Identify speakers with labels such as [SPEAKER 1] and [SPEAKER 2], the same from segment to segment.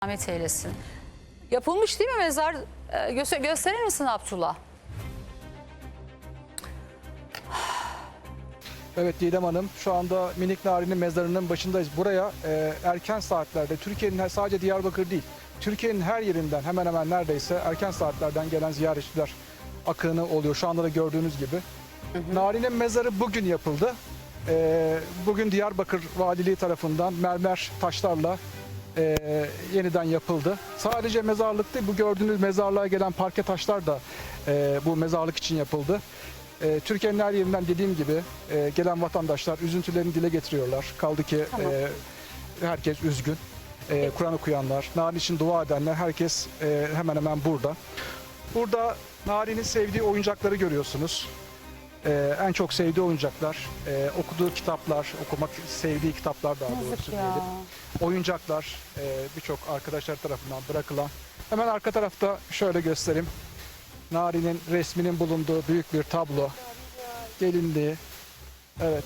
[SPEAKER 1] Rahmet eylesin. Yapılmış değil mi mezar? Gösterir misin Abdullah?
[SPEAKER 2] Evet Didem Hanım, şu anda Minik Nari'nin mezarının başındayız. Buraya erken saatlerde, Türkiye'nin sadece Diyarbakır değil, Türkiye'nin her yerinden hemen hemen neredeyse erken saatlerden gelen ziyaretçiler akını oluyor. Şu anda da gördüğünüz gibi. Nari'nin mezarı bugün yapıldı. Bugün Diyarbakır Valiliği tarafından mermer taşlarla yeniden yapıldı. Sadece mezarlık değil, bu gördüğünüz mezarlığa gelen parke taşlar da bu mezarlık için yapıldı. Türkiye'nin her yerinden dediğim gibi gelen vatandaşlar üzüntülerini dile getiriyorlar. Kaldı ki herkes üzgün. Kur'an okuyanlar, Nari için dua edenler herkes hemen hemen burada. Burada Nari'nin sevdiği oyuncakları görüyorsunuz. En çok sevdiği oyuncaklar, okuduğu kitaplar, okumak sevdiği kitaplar daha doğrusu diyelim. Oyuncaklar birçok arkadaşlar tarafından bırakılan. Hemen arka tarafta şöyle göstereyim. Nari'nin resminin bulunduğu büyük bir tablo. Gelinliği. Evet.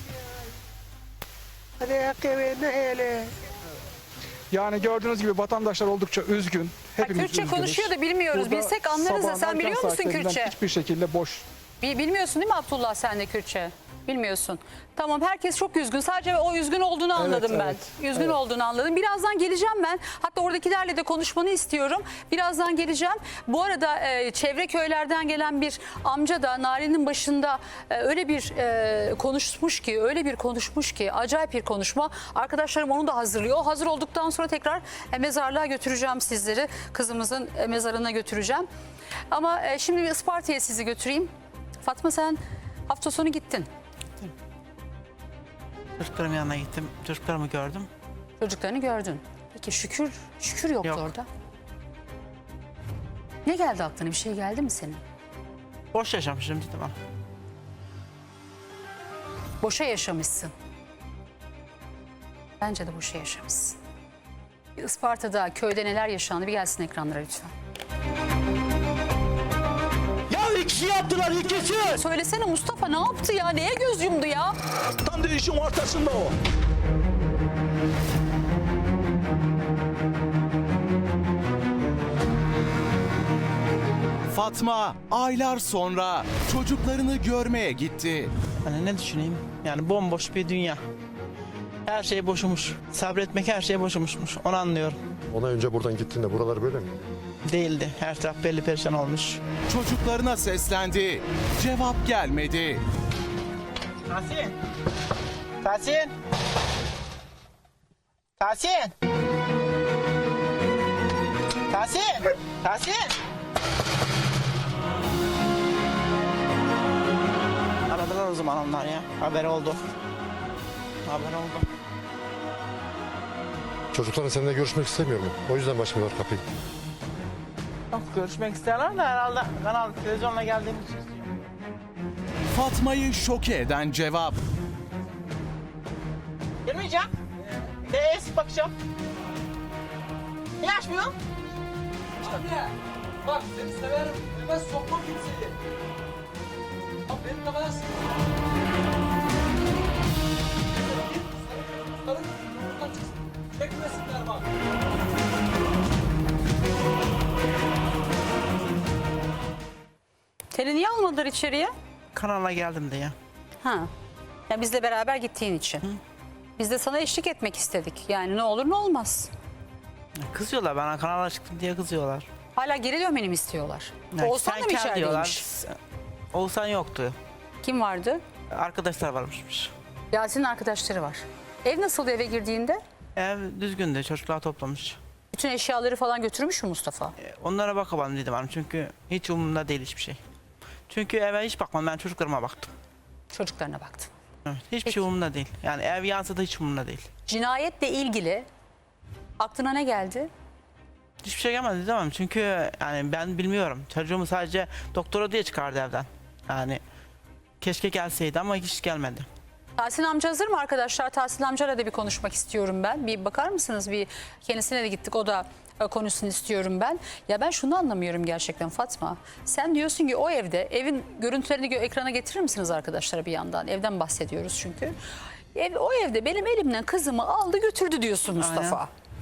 [SPEAKER 2] Yani gördüğünüz gibi vatandaşlar oldukça üzgün. Hepimiz
[SPEAKER 1] Kürtçe
[SPEAKER 2] üzgünüz.
[SPEAKER 1] konuşuyor da bilmiyoruz.
[SPEAKER 2] Burada
[SPEAKER 1] Bilsek anlarız da
[SPEAKER 2] sabahın
[SPEAKER 1] sen
[SPEAKER 2] erken
[SPEAKER 1] biliyor musun
[SPEAKER 2] saatlerinden
[SPEAKER 1] Kürtçe?
[SPEAKER 2] Hiçbir şekilde boş.
[SPEAKER 1] Bilmiyorsun değil mi Abdullah sen de Kürtçe? Bilmiyorsun. Tamam, herkes çok üzgün. Sadece o üzgün olduğunu anladım ben.
[SPEAKER 2] evet,
[SPEAKER 1] Üzgün olduğunu anladım. Birazdan geleceğim ben. Hatta oradakilerle de konuşmanı istiyorum. Birazdan geleceğim. Bu arada çevre köylerden gelen bir amca da Nari'nin başında öyle bir konuşmuş ki acayip bir konuşma. Arkadaşlarım onu da hazırlıyor. O hazır olduktan sonra tekrar mezarlığa götüreceğim sizleri. Kızımızın mezarına götüreceğim. Ama şimdi bir Isparta'ya sizi götüreyim. Fatma, sen hafta sonu gittin.
[SPEAKER 3] Çocuklarımın yanına gittim. Çocuklarımı gördüm.
[SPEAKER 1] Çocuklarını gördün. Peki şükür yoktu
[SPEAKER 3] Yok.
[SPEAKER 1] orada. Ne geldi aklına? Bir şey geldi mi senin?
[SPEAKER 3] Boş yaşamışım dedim ama.
[SPEAKER 1] Boşa yaşamışsın. Bence de boşa yaşamışsın. Bir Isparta'da, köyde neler yaşandı? Bir gelsin ekranlara lütfen.
[SPEAKER 4] Ya ikisi yaptılar, ikisi.
[SPEAKER 1] Söylesene Mustafa, ne yaptı ya? Neye göz yumdu ya?
[SPEAKER 4] Tam da işin ortasında o.
[SPEAKER 5] Fatma aylar sonra çocuklarını görmeye gitti.
[SPEAKER 3] Hani ne düşüneyim? Yani bomboş bir dünya. Her şey boşumuş. Sabretmek her şey boşumuşmuş. Onu anlıyorum.
[SPEAKER 6] Ona önce buradan gittiğinde buralar böyle mi?
[SPEAKER 3] Değildi. Her taraf belli perişan olmuş.
[SPEAKER 5] Çocuklarına seslendi. Cevap gelmedi.
[SPEAKER 3] Tahsin! Tahsin! Tahsin! Tahsin! Tahsin! Aradılar o zaman onlar ya. Haber oldu. Haber oldu.
[SPEAKER 6] Çocukların seninle görüşmek istemiyor mu? O yüzden başlıyorlar kapıyı.
[SPEAKER 3] Yok, görüşmek isterler de herhalde kanal televizyonla geldiğimiz için istiyor.
[SPEAKER 5] Fatma'yı şoke eden cevap.
[SPEAKER 3] Girmeyeceğim. Sık bakacağım. Niye açmıyorsun?
[SPEAKER 7] Anne, bak seni severim. Ben sokmam kimseyi. Bak benim ne kadar çekmesinler bak.
[SPEAKER 1] Seni niye almadılar içeriye?
[SPEAKER 3] Kanala geldim de ya.
[SPEAKER 1] Ha. Ya bizle beraber gittiğin için. Biz de sana eşlik etmek istedik. Yani ne olur ne olmaz.
[SPEAKER 3] Kızıyorlar bana, kanala çıktım diye kızıyorlar.
[SPEAKER 1] Hala geri dönmeni mi istiyorlar?
[SPEAKER 3] Yani
[SPEAKER 1] Oğuzhan da
[SPEAKER 3] sen
[SPEAKER 1] mı
[SPEAKER 3] gel
[SPEAKER 1] içerideymiş?
[SPEAKER 3] Oğuzhan yoktu.
[SPEAKER 1] Kim vardı?
[SPEAKER 3] Arkadaşlar varmışmış.
[SPEAKER 1] Yasin'in arkadaşları var. Ev nasıldı eve girdiğinde?
[SPEAKER 3] Ev düzgündü, çocuklar toplamış.
[SPEAKER 1] Bütün eşyaları falan götürmüş mü Mustafa?
[SPEAKER 3] Onlara bakalım dedim hanım, çünkü hiç umurumda değil hiçbir şey. Çünkü eve hiç bakmadım, ben çocuklarıma baktım.
[SPEAKER 1] Çocuklarına baktım.
[SPEAKER 3] Evet, hiçbir
[SPEAKER 1] Peki.
[SPEAKER 3] şey umurumda değil. Yani ev yansa da hiç umurumda değil.
[SPEAKER 1] Cinayetle ilgili aklına ne geldi?
[SPEAKER 3] Hiçbir şey gelmedi demem, çünkü yani ben bilmiyorum. Çocuğumu sadece doktora diye çıkardı evden. Yani keşke gelseydi ama hiç gelmedi.
[SPEAKER 1] Tahsin amca hazır mı arkadaşlar? Tahsin amcayla da bir konuşmak istiyorum ben. Bir bakar mısınız? Bir kendisine de gittik. O da konuşsun istiyorum ben. Ya ben şunu anlamıyorum gerçekten Fatma. Sen diyorsun ki o evde, evin görüntülerini ekrana getirir misiniz arkadaşlara bir yandan? Evden bahsediyoruz çünkü. O evde benim elimden kızımı aldı götürdü diyorsun Mustafa.
[SPEAKER 3] Aynen.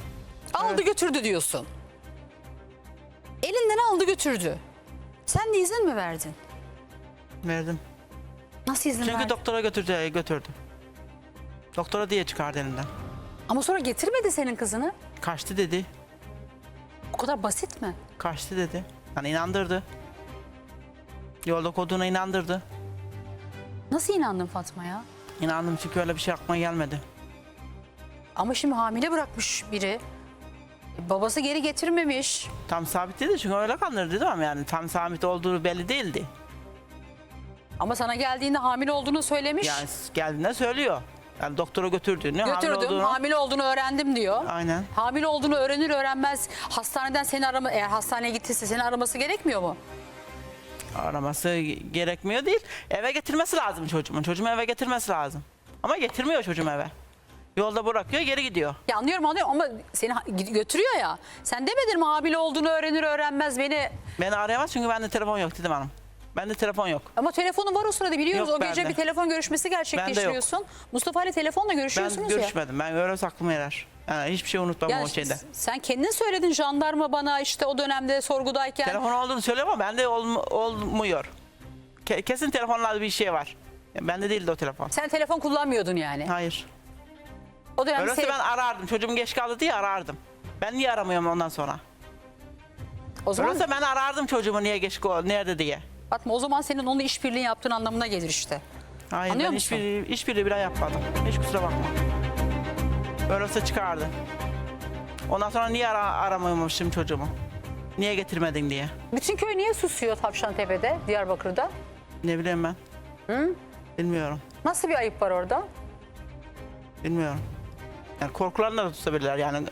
[SPEAKER 1] Aldı götürdü diyorsun. Elinden aldı götürdü. Sen de izin mi verdin?
[SPEAKER 3] Verdim.
[SPEAKER 1] Nasıl izin
[SPEAKER 3] Çünkü
[SPEAKER 1] verdin?
[SPEAKER 3] doktora götürdü. Doktora diye çıkardı elinden.
[SPEAKER 1] Ama sonra getirmedi senin kızını.
[SPEAKER 3] Kaçtı dedi.
[SPEAKER 1] O kadar basit mi?
[SPEAKER 3] Kaçtı dedi. Hani inandırdı. Yolda koduna inandırdı.
[SPEAKER 1] Nasıl inandın Fatma ya?
[SPEAKER 3] İnandım çünkü öyle bir şey aklıma gelmedi.
[SPEAKER 1] Ama şimdi hamile bırakmış biri. Babası geri getirmemiş.
[SPEAKER 3] Tam sabit değildi çünkü öyle kandırdı değil mi? Yani tam sabit olduğu belli değildi.
[SPEAKER 1] Ama sana geldiğinde hamile olduğunu söylemiş.
[SPEAKER 3] Yani geldiğinde söylüyor. Yani doktora götürdüğünü, hamile
[SPEAKER 1] Götürdüm,
[SPEAKER 3] olduğunu.
[SPEAKER 1] hamile olduğunu öğrendim diyor.
[SPEAKER 3] Aynen.
[SPEAKER 1] Hamile olduğunu öğrenir öğrenmez hastaneden seni arama, eğer hastaneye gittiyse seni araması gerekmiyor mu?
[SPEAKER 3] Araması gerekmiyor değil. Eve getirmesi lazım çocuğumun. Çocuğumu eve getirmesi lazım. Ama getirmiyor çocuğum eve. Yolda bırakıyor, geri gidiyor.
[SPEAKER 1] Ya anlıyorum ama seni götürüyor ya. Sen demedin mi hamile olduğunu öğrenir öğrenmez beni...
[SPEAKER 3] Beni arayamaz çünkü bende telefon yok dedim hanım. Bende telefon yok.
[SPEAKER 1] Ama telefonun var o sırada biliyoruz.
[SPEAKER 3] Yok
[SPEAKER 1] O gece
[SPEAKER 3] bende.
[SPEAKER 1] bir telefon görüşmesi gerçekleştiriyorsun. Mustafa ile telefonla görüşüyorsunuz
[SPEAKER 3] Ben
[SPEAKER 1] ya.
[SPEAKER 3] görüşmedim. Ben öyle saklım yerer. Yani hiçbir şey unutmam
[SPEAKER 1] Ya
[SPEAKER 3] o şeyde.
[SPEAKER 1] sen kendin söyledin jandarma bana işte o dönemde sorgudayken.
[SPEAKER 3] Telefon olduğunu söylüyor ama bende olmuyor. Kesin telefonlarda bir şey var. Bende değildi o telefon.
[SPEAKER 1] Sen telefon kullanmıyordun yani.
[SPEAKER 3] Hayır.
[SPEAKER 1] O dönemde
[SPEAKER 3] Öyleyse ben arardım. Çocuğum geç kaldı diye arardım. Ben niye aramıyorum ondan sonra?
[SPEAKER 1] o zaman
[SPEAKER 3] Öyleyse ben arardım çocuğumu niye geç nerede diye.
[SPEAKER 1] Fatma o zaman senin onunla işbirliği yaptığın anlamına gelir işte.
[SPEAKER 3] Hayır
[SPEAKER 1] Anlıyor
[SPEAKER 3] ben
[SPEAKER 1] musun?
[SPEAKER 3] hiçbiri bile yapmadım. Hiç kusura bakma. Öyleyse çıkardı. Ondan sonra niye aramıyormuşum çocuğumu? Niye getirmedin diye.
[SPEAKER 1] Bütün köy niye susuyor Tavşantepe'de, Diyarbakır'da?
[SPEAKER 3] Ne bileyim ben. Bilmiyorum.
[SPEAKER 1] Nasıl bir ayıp var orada?
[SPEAKER 3] Bilmiyorum. Yani korkularını da tutabilirler yani.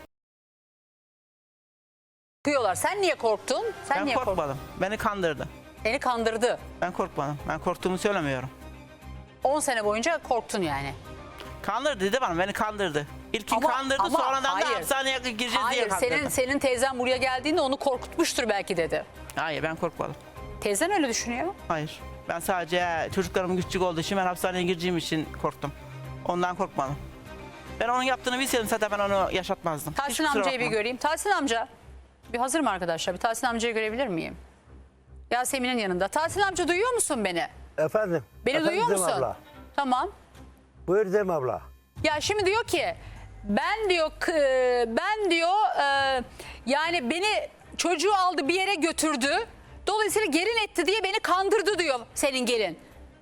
[SPEAKER 1] Kıyıyorlar. Sen niye korktun? Sen
[SPEAKER 3] Ben
[SPEAKER 1] niye korktun?
[SPEAKER 3] korkmadım. Beni kandırdı.
[SPEAKER 1] Seni kandırdı.
[SPEAKER 3] Ben korkmadım. Ben korktuğumu söylemiyorum.
[SPEAKER 1] 10 sene boyunca korktun yani.
[SPEAKER 3] Kandırdı dedi bana. Beni kandırdı. İlkin kandırdı sonradan da
[SPEAKER 1] hayır.
[SPEAKER 3] hapishaneye gireceğiz diye
[SPEAKER 1] Hayır,
[SPEAKER 3] kandırdı.
[SPEAKER 1] senin teyzen buraya geldiğinde onu korkutmuştur belki dedi.
[SPEAKER 3] Hayır ben korkmadım.
[SPEAKER 1] Teyzen öyle düşünüyor.
[SPEAKER 3] Hayır. Ben sadece çocuklarım küçük olduğu için ben hapishaneye gireceğim için korktum. Ondan korkmadım. Ben onun yaptığını bilseydim zaten ben onu yaşatmazdım. Hiç
[SPEAKER 1] Tahsin
[SPEAKER 3] kusura
[SPEAKER 1] amcayı bir
[SPEAKER 3] bakma.
[SPEAKER 1] göreyim. Tahsin amca. Bir hazır mı arkadaşlar? Bir Tahsin amcayı görebilir miyim? Yasemin'in yanında. Tahsin amca duyuyor musun beni?
[SPEAKER 8] Efendim.
[SPEAKER 1] Beni
[SPEAKER 8] Efendim
[SPEAKER 1] duyuyor
[SPEAKER 8] Cem
[SPEAKER 1] musun?
[SPEAKER 8] Abla.
[SPEAKER 1] Tamam.
[SPEAKER 8] Buyur Cem abla.
[SPEAKER 1] Ya şimdi diyor ki ben diyor yani beni çocuğu aldı bir yere götürdü. Dolayısıyla gelin etti diye beni kandırdı diyor senin gelin.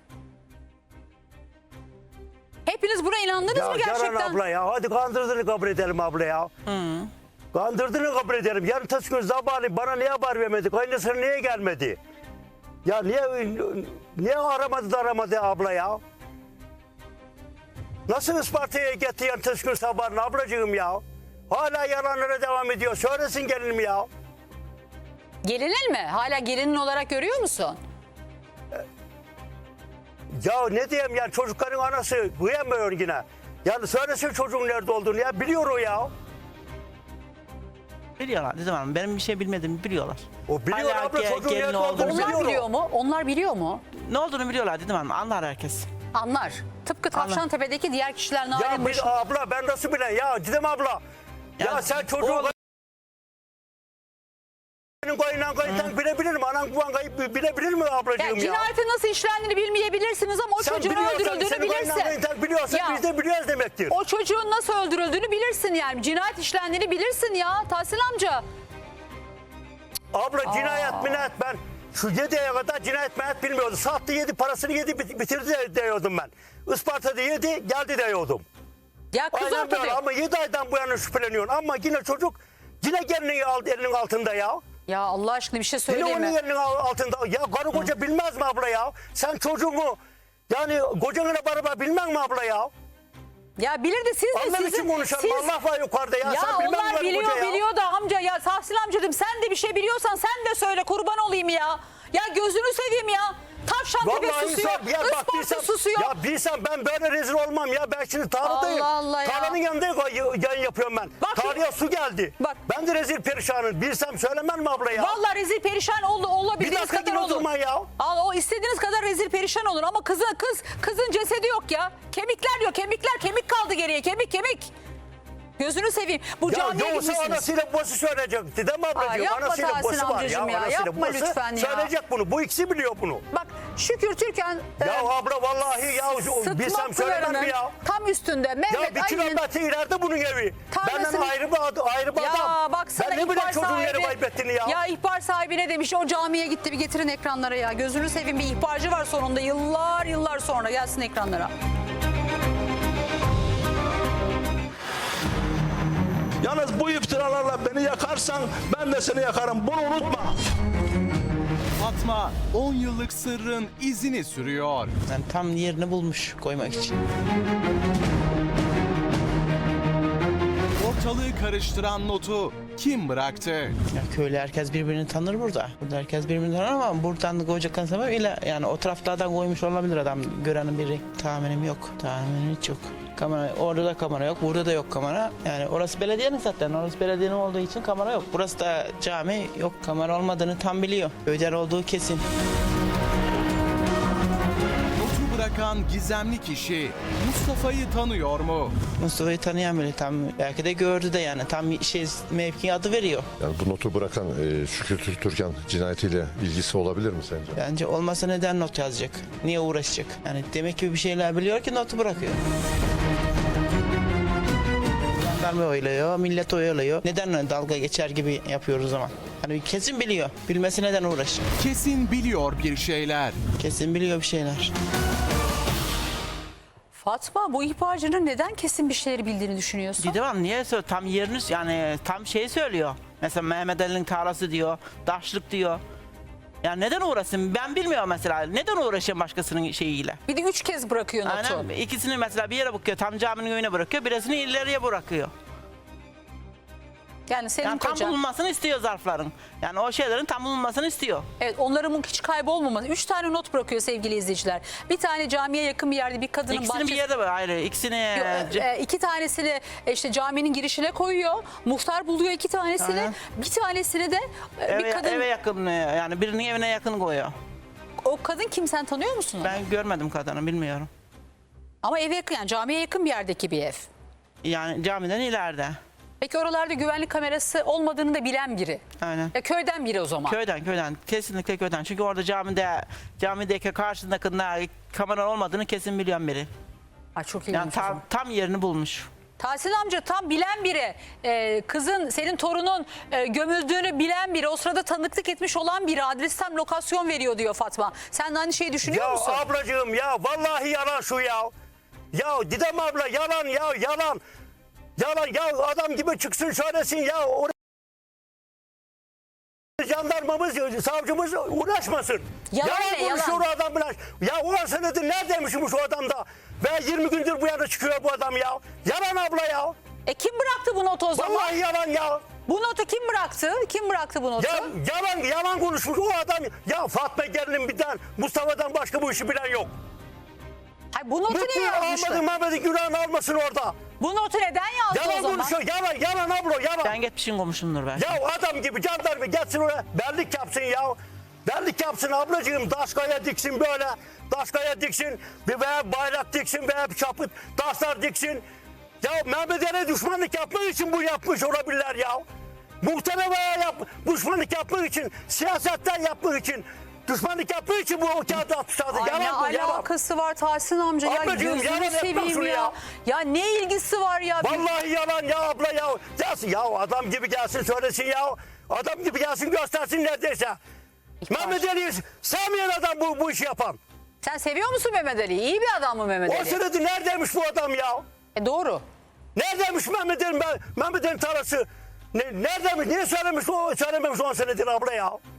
[SPEAKER 1] Hepiniz buna inandınız
[SPEAKER 8] Ya
[SPEAKER 1] mı
[SPEAKER 8] Canan
[SPEAKER 1] gerçekten?
[SPEAKER 8] abla ya hadi kandırdığını kabul edelim abla ya. Kandırdığını kabul edelim. Yarın tas gün sabahleyin bana niye haber vermedi? Kaynısına niye gelmedi? Ya niye aramadı abla ya? Nasıl Isparta'ya gitti yarın tas gün sabahleyin ablacığım ya? Hala yalanlara devam ediyor. Söylesin gelinim ya.
[SPEAKER 1] Gelinin mi? Hala gelinin olarak görüyor musun?
[SPEAKER 8] Ya ne diyeyim yani çocukların anası kıyamıyor yine. Yani söylesin çocuğun nerede olduğunu ya biliyor o ya.
[SPEAKER 3] Biliyorlar dedim hanım. Benim bir şey bilmediğimi biliyorlar.
[SPEAKER 8] O biliyor
[SPEAKER 3] Hala
[SPEAKER 8] abla çocuğun
[SPEAKER 3] gelin
[SPEAKER 8] nerede
[SPEAKER 3] olduğunu
[SPEAKER 8] olduğunu
[SPEAKER 1] Onlar
[SPEAKER 8] biliyor
[SPEAKER 1] biliyor
[SPEAKER 8] o.
[SPEAKER 1] mu? Onlar biliyor mu?
[SPEAKER 3] Ne olduğunu biliyorlar dedim hanım. Anlar herkes.
[SPEAKER 1] Anlar. Tıpkı Tavşantepe'deki diğer kişiler Narin Başı.
[SPEAKER 8] Abla ben nasıl bilen ya Didem abla. Ya sen çocuğun kayından bilebilir mi? Anan baban kayıp bilebilir mi ablacığım
[SPEAKER 1] Ya
[SPEAKER 8] ya?
[SPEAKER 1] cinayetin nasıl işlendiğini bilmeyebilirsiniz ama o
[SPEAKER 8] Sen
[SPEAKER 1] çocuğun
[SPEAKER 8] biliyorsan,
[SPEAKER 1] öldürüldüğünü
[SPEAKER 8] senin
[SPEAKER 1] bilirsin.
[SPEAKER 8] kayından biliyorsan
[SPEAKER 1] Ya,
[SPEAKER 8] biz de biliyoruz demektir.
[SPEAKER 1] o çocuğun nasıl öldürüldüğünü bilirsin yani. Cinayet işlendiğini bilirsin ya Tahsin amca.
[SPEAKER 8] Abla cinayet minayet ben şu 7'ye kadar cinayet minayet bilmiyordum. Sattı yedi parasını yedi bitirdi diyordum ben. Isparta'da yedi geldi diyordum.
[SPEAKER 1] Ya kız
[SPEAKER 8] Aynen
[SPEAKER 1] ortada.
[SPEAKER 8] böyle ama 7 aydan bu yana şüpheleniyorsun ama yine çocuk yine gelini aldı elinin altında ya.
[SPEAKER 1] Ya Allah aşkına bir şey
[SPEAKER 8] Yine
[SPEAKER 1] söyleyeyim
[SPEAKER 8] onun
[SPEAKER 1] mi?
[SPEAKER 8] elinin altında. Ya karı koca bilmez mi abla ya? Sen çocuğunu yani kocanla beraber bilmez mi abla ya?
[SPEAKER 1] Ya bilir de siz de
[SPEAKER 8] Allah
[SPEAKER 1] sizin...
[SPEAKER 8] için konuşalım. Allah var yukarıda ya.
[SPEAKER 1] Ya
[SPEAKER 8] Sen bilmez mi
[SPEAKER 1] onlar
[SPEAKER 8] karı koca ya?
[SPEAKER 1] biliyor da amca ya Tahsin amcacığım sen de bir şey biliyorsan sen de söyle kurban olayım ya. Ya gözünü seveyim ya. Tavşantepe
[SPEAKER 8] Vallahi
[SPEAKER 1] susuyor.
[SPEAKER 8] insan, ya bak
[SPEAKER 1] Isparta susuyor.
[SPEAKER 8] Ya bilsem ben böyle rezil olmam ya. Ben şimdi tarladayım.
[SPEAKER 1] Allah Allah ya.
[SPEAKER 8] Tarlanın yanında yayın yapıyorum ben.
[SPEAKER 1] Bak şimdi-
[SPEAKER 8] Tarlaya su geldi.
[SPEAKER 1] Bak.
[SPEAKER 8] Ben de rezil perişanım. Bilsem söylemem mi abla ya?
[SPEAKER 1] Vallahi rezil perişan
[SPEAKER 8] Bir
[SPEAKER 1] olabildiğiniz
[SPEAKER 8] dakika
[SPEAKER 1] kadar
[SPEAKER 8] gibi
[SPEAKER 1] olun.
[SPEAKER 8] durma ya.
[SPEAKER 1] O istediğiniz kadar rezil perişan olun ama kızın cesedi yok ya. Kemikler yok kemik kaldı geriye kemik. Gözünü seveyim. Bu
[SPEAKER 8] Ya
[SPEAKER 1] camiye
[SPEAKER 8] yoksa
[SPEAKER 1] gitmişsiniz.
[SPEAKER 8] anasıyla babası söyleyecek. Değil mi ablacığım?
[SPEAKER 1] yapma
[SPEAKER 8] Anasıyla
[SPEAKER 1] Tahsin
[SPEAKER 8] babası var
[SPEAKER 1] amcacığım ya,
[SPEAKER 8] Anasıyla
[SPEAKER 1] yapma
[SPEAKER 8] babası
[SPEAKER 1] lütfen ya.
[SPEAKER 8] söyleyecek bunu. Bu ikisi biliyor bunu.
[SPEAKER 1] Bak Şükür Türkan
[SPEAKER 8] Ya abla vallahi ya bilsem
[SPEAKER 1] Sıtma
[SPEAKER 8] söylemem
[SPEAKER 1] Pınarı'nın
[SPEAKER 8] mi ya?
[SPEAKER 1] tam üstünde
[SPEAKER 8] Ya
[SPEAKER 1] Mehmet
[SPEAKER 8] bir
[SPEAKER 1] Ali'nin
[SPEAKER 8] kilometre ileride bunun evi.
[SPEAKER 1] Tarlasını-
[SPEAKER 8] Benden ayrı bir
[SPEAKER 1] ya
[SPEAKER 8] adam.
[SPEAKER 1] bak sana
[SPEAKER 8] Ben ne bileyim
[SPEAKER 1] ihbar
[SPEAKER 8] çocuğun
[SPEAKER 1] sahibi,
[SPEAKER 8] yeri kaybettiğini ya.
[SPEAKER 1] Ya ihbar sahibi ne demiş? O camiye gitti, bir getirin ekranlara ya. Gözünü seveyim, bir ihbarcı var sonunda, yıllar sonra gelsin ekranlara.
[SPEAKER 4] Yalnız bu iftiralarla beni yakarsan ben de seni yakarım. Bunu unutma.
[SPEAKER 5] Fatma 10 yıllık sırrın izini sürüyor.
[SPEAKER 3] Yani tam yerini bulmuş koymak için.
[SPEAKER 5] Ortalığı karıştıran notu kim bıraktı?
[SPEAKER 3] Ya köylü herkes birbirini tanır burada. Burada herkes birbirini tanır ama buradan koyacaktan sebep ile yani o taraflardan koymuş olabilir adam. Görenin biri. Tahminim yok. Tahminim hiç yok. Kamera, orada da kamera yok, burada da yok kamera. Yani orası belediyenin zaten. Orası belediyenin olduğu için kamera yok. Burası da cami, yok kamera olmadığını tam biliyor. Köyler olduğu kesin.
[SPEAKER 5] Notu bırakan gizemli kişi Mustafa'yı tanıyor mu?
[SPEAKER 3] Mustafa'yı tanıyan biri tam belki de gördü de yani tam mevki adı veriyor.
[SPEAKER 6] Yani bu notu bırakan Şükür Türkan cinayetiyle ilgisi olabilir mi sence?
[SPEAKER 3] Bence olmasa neden not yazacak? Niye uğraşacak? Yani demek ki bir şeyler biliyor ki notu bırakıyor. Jandarma oyluyor, millet oyluyor. Neden dalga geçer gibi yapıyoruz o zaman? Hani kesin biliyor. Bilmesi neden uğraşacak?
[SPEAKER 5] Kesin biliyor bir şeyler.
[SPEAKER 3] Kesin biliyor bir şeyler.
[SPEAKER 1] Fatma, bu ihbarcının neden kesin bir şeyleri bildiğini düşünüyorsun?
[SPEAKER 3] Didem Hanım niye söylüyor? Tam yerini yani tam şeyi söylüyor. Mesela Mehmet Ali'nin tarlası diyor, daşlık diyor. Yani neden uğraşsın? Ben bilmiyorum mesela. Neden uğraşayım başkasının şeyiyle?
[SPEAKER 1] Bir de 3 kez bırakıyor notu.
[SPEAKER 3] Aynen. İkisini mesela bir yere bırakıyor. Tam caminin önüne bırakıyor. Birisini ileriye bırakıyor.
[SPEAKER 1] Yani senin
[SPEAKER 3] Yani tam
[SPEAKER 1] kocan.
[SPEAKER 3] bulunmasını istiyor zarfların. Yani o şeylerin tam bulunmasını istiyor.
[SPEAKER 1] Evet, onların hiç kaybolmaması. 3 tane not bırakıyor sevgili izleyiciler. Bir tane camiye yakın bir yerde bir kadının
[SPEAKER 3] İkisini bir yerde var. Hayır. İkisini...
[SPEAKER 1] 2 tanesini işte caminin girişine koyuyor. Muhtar buluyor 2 tanesini.
[SPEAKER 3] Aynen.
[SPEAKER 1] Bir tanesini de bir kadın.
[SPEAKER 3] eve yakın yani birinin evine yakın koyuyor.
[SPEAKER 1] O kadın kim, sen tanıyor musun onu?
[SPEAKER 3] Ben görmedim kadını bilmiyorum.
[SPEAKER 1] Ama eve yakın, yani camiye yakın bir yerdeki bir ev.
[SPEAKER 3] Yani camiden ileride.
[SPEAKER 1] Peki oralarda güvenlik kamerası olmadığını da bilen biri.
[SPEAKER 3] Aynen.
[SPEAKER 1] Ya köyden biri o zaman.
[SPEAKER 3] Köyden kesinlikle köyden. Çünkü orada camideki karşısındakinde kamera olmadığını kesin bilen biri.
[SPEAKER 1] Ay çok ilginç
[SPEAKER 3] Yani
[SPEAKER 1] o zaman.
[SPEAKER 3] tam yerini bulmuş.
[SPEAKER 1] Tahsin amca tam bilen biri. Kızın, senin torunun gömüldüğünü bilen biri. O sırada tanıklık etmiş olan biri. Adres tam lokasyon veriyor diyor Fatma. Sen de aynı şeyi düşünüyor
[SPEAKER 8] Ya
[SPEAKER 1] musun?
[SPEAKER 8] ablacığım ya vallahi yalan şu ya. Ya Didem abla yalan ya yalan. Yalan ya adam gibi çıksın söylesin ya. Jandarmamız, savcımız uğraşmasın.
[SPEAKER 1] Yalan ne,
[SPEAKER 8] konuşuyor
[SPEAKER 1] yalan?
[SPEAKER 8] o adam biraz. Ya 10 senedir neredeymişmiş o adam da. Ve 20 gündür bu yana çıkıyor bu adam ya. Yalan abla ya.
[SPEAKER 1] Kim bıraktı bu notu o zaman?
[SPEAKER 8] Vallahi yalan ya.
[SPEAKER 1] Bu notu kim bıraktı? Kim bıraktı bu notu?
[SPEAKER 8] Ya yalan konuşmuş o adam. Ya Fatma gelinin birden Mustafa'dan başka bu işi bilen yok.
[SPEAKER 1] Hayır, bu notu niye
[SPEAKER 8] Mutlu
[SPEAKER 1] yazmışlar?
[SPEAKER 8] Ahmet'in Mehmet'in günahını almasın orada.
[SPEAKER 1] Bu notu neden yazdı o
[SPEAKER 8] Yalan
[SPEAKER 1] zaman?
[SPEAKER 8] konuşuyor. Yalan abla yalan.
[SPEAKER 3] Ben gitmişim komşumdur belki.
[SPEAKER 8] Ya adam gibi jandarma gelsin oraya bellik yapsın ya. Bellik yapsın ablacığım. Daşkaya diksin böyle. Daşkaya diksin. Veya bayrak diksin veya bir çapıt taşlar diksin. Ya Mehmet Ali düşmanlık yapmak için bu yapmış olabilirler ya. Muhtemelen veya düşmanlık yapmak için, siyasetten yapmak için, düşmanlık yapmak için bu o kağıdı atmışlardı.
[SPEAKER 1] Ay, ne
[SPEAKER 8] Yalan bu yalan.
[SPEAKER 1] alakası var Tahsin amca ya?
[SPEAKER 8] Ablacığım,
[SPEAKER 1] Gözünü
[SPEAKER 8] yalan etmem
[SPEAKER 1] seveyim
[SPEAKER 8] şunu
[SPEAKER 1] ya.
[SPEAKER 8] ya.
[SPEAKER 1] Ya ne ilgisi var ya?
[SPEAKER 8] Vallahi yalan ya abla ya. Gelsin ya adam gibi gelsin söylesin ya. Adam gibi gelsin göstersin neredeyse. Mehmet Ali'yi sevmeyen adam bu işi yapan.
[SPEAKER 1] Sen seviyor musun Mehmet Ali'yi? İyi bir adam mı Mehmet
[SPEAKER 8] O
[SPEAKER 1] Ali?
[SPEAKER 8] sırada neredeymiş bu adam ya?
[SPEAKER 1] Doğru.
[SPEAKER 8] Neredeymiş Mehmet Ali, Mehmet Ali tarlası? Neredeymiş? Niye söylemiş o söylememiş 10 senedir abla ya?